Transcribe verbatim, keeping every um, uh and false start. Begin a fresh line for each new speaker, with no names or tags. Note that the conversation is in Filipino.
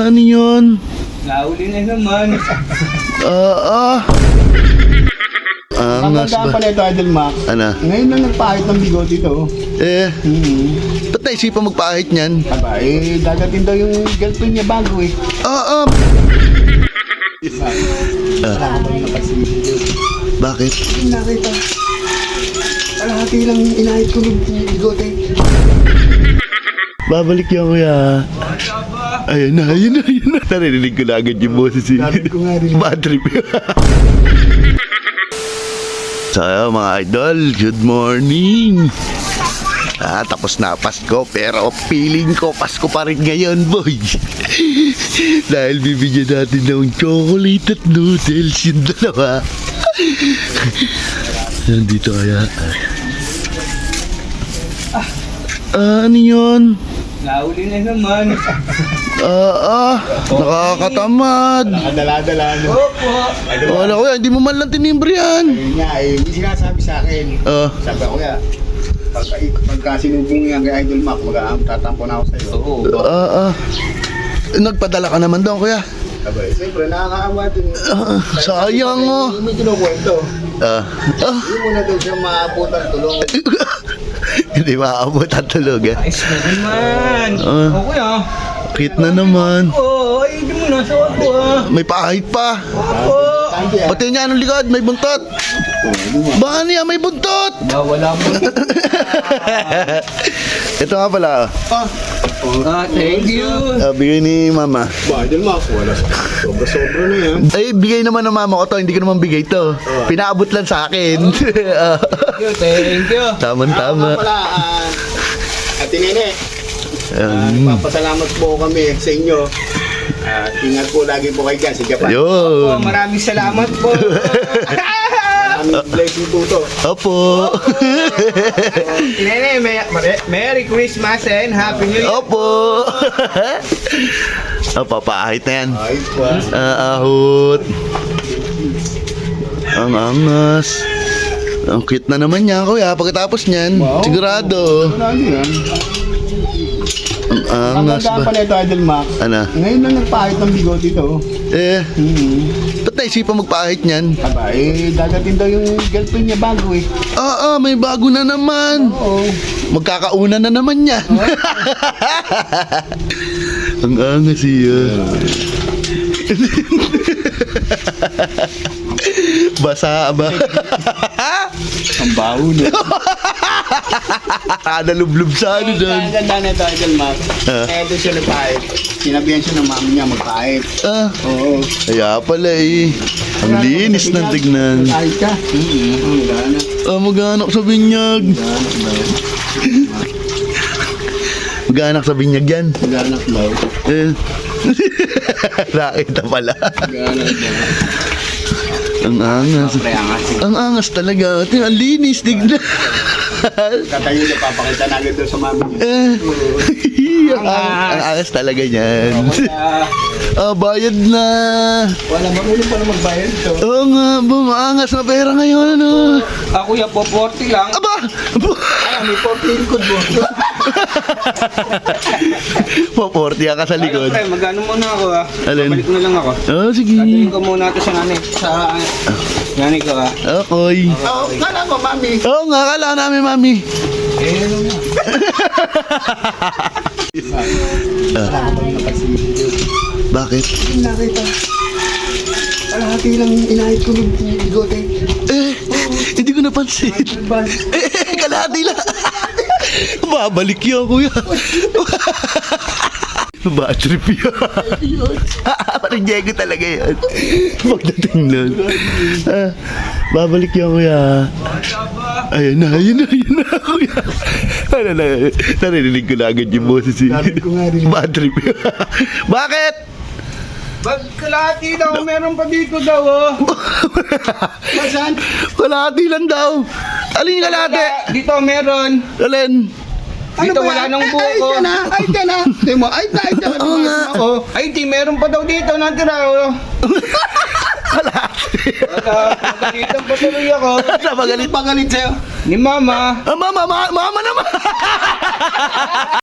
ano yun?
Nahuli na naman.
Ah, ah. Angas
Magandaan
ba?
pala ito, Idol Mac.
Ano?
Ngayon lang nagpahit ng bigot ito.
Eh,
Hmm.
ba't naisipan magpahit niyan?
Aba, eh, dadating daw yung girlfriend niya bago eh.
Ah, ah.
Wala ka ba yung napasigil yun?
Bakit?
Hindi nakita. Kalahati lang inahit ko ng bigot eh.
Babalik yan, kuya. Ayun na, ayun na, ayun na. Narinig ko na agad yung boses eh.
Narinig ko nga rin.
Bad trip. So, ayun, mga idol, good morning. Ah, tapos na Pasko, pero feeling ko Pasko pa rin ngayon, boy. Dahil bibigyan natin ng chocolate at noodles yung dalawa. Nandito kaya. Ah, ano yun?
Nahuli na naman.
Ah, ah, nakakatamad.
Nakadala-dala no.
Opo.
Wala kuya, hindi mo man lang tinimbre yan.
Ayun nga eh, hindi sinasabi sa akin.
Ah,
Sabi ko ya, pagka, pagka sinubong yan kay Idol Mac, mag tatampo na ako sa'yo.
Oo.
ah, ah. Nagpadala ka naman doon, kuya.
Sabi, siyempre nakakaawa din.
Ah, sayang oh.
May kinukwento.
Ah, ah.
Hindi mo na daw siya maabutan tulong.
Hindi maabot ang tulog eh.
Ayos na naman.
Ah.
Oo kuya.
Cute na naman.
Oo, ay hindi mo na sa ako ah.
May pahit pa.
Opo.
Thank you.
Pati niya anong likod, may buntot. Baka niya may buntot.
Wala mo.
Ito nga pala.
Ah,
Ah, thank you.
Ah, bigay ni mama.
ba, Idol Mac, wala. Sobra-sobra na yan.
Ay, bigay naman ng mama ko to. Hindi ko naman bigay to. Pinaabot lang sa akin. Ah,
Thank you, thank you.
Tama-tama.
Ako nga pala, ah, Ate Nene, ah,
Um,
papasalamat po kami sa inyo. Ah, ingat po lagi po kayo dyan sa Japan.
Oh,
yun.
maraming salamat po.
Maraming blessing po to.
Opo.
Nene, may, Merry Christmas and Happy New Year.
Opo. Oh, papahit na yan.
Ay po. ah.
Ah, ahot. Ang angas. Ang cute na naman niya, kuya. Pagkatapos niyan,
Wow.
sigurado.
Wala din yan.
Ang angas
Magandaan
ba?
pala ito, Idol Mac.
Ano?
Ngayon lang nagpahit ng bigot ito.
Eh,
Hmm.
ba't naisipan magpahit niyan?
Aba, eh, dadating daw yung girlfriend niya bago eh.
Ah, ah, may bago na naman.
Oo.
Magkakauna na naman yan. Ang angas siya. Basa ba?
Ang baho na.
Ah, nalublub sa ano doon.
Ang ganda na ito, Idol Mac.
Ah.
Eh, doon siya nagpahit. Sinabihan siya ng mami niya magpahit.
Ah,
Oo.
kaya pala eh. Ang linis ng tignan.
Magpahit ka. Hmm, ang gana.
Ah, mag-anak sa binyag.
Ganak daw.
Mag-anak sa binyag yan.
Ganak daw.
Eh. Nakita pala.
Ganak daw.
Ang angas.
Pre, angas.
Ang angas talaga. Tingnan, ang linis, tignan.
Katayo niya, papakita na agad doon sa mami niya.
Eh. ang, ang, ang angas talaga niyan. Ah, bayad na.
Wala, marunong pa na magbayad ito.
Oo nga, bumaangas na pera ngayon, ano.
Ako ya po, forty lang.
Aba!
Ay, may fourteen code mo.
Paportiya ka sa
Ayun,
likod.
pre, magano muna ako ah.
Alin?
Babalik na lang ako.
Oh, sige.
Dadalhin ko muna ito sa nanay. Sa nanay ko ah.
Okay.
Oo, kala ko, mami.
Oo nga, kala namin, mami.
Eh, ano nga.
Wala ka ba yung napasigil yun?
Bakit?
Hindi nakita. Kalahati lang inahit ko ng bigot eh.
Eh, hindi ko napansin.
Ba?
Eh, kalahati lang. Babalik yun, kuya. Bad trip yun. Parang Diego talaga yun. Pagdating nun. Ah, babalik yun, kuya. Ayun na, ayun na, ayun na, kuya. Ano na, narinig ko na agad yung boses eh.
Narinig ko nga rin.
Bad trip yun. Bakit?
Magkalahati daw, meron pa dito daw oh.
Masan?
Kalahati lang daw. Alin yung kalahati?
Dito meron.
Alin?
Dito
ba
wala
yan?
nang
Ay,
buko.
Ay, ka na, ay, ka na. Tingnan mo, ay, ay, ka na.
Oo nga.
Oh, ay di meron pa daw dito natira oh.
Kalahati.
Wala, magalitan pa tuloy ako.
Napagalit.
Pagalit sa'yo.
Ni mama.
Ah, mama, ma- mama naman.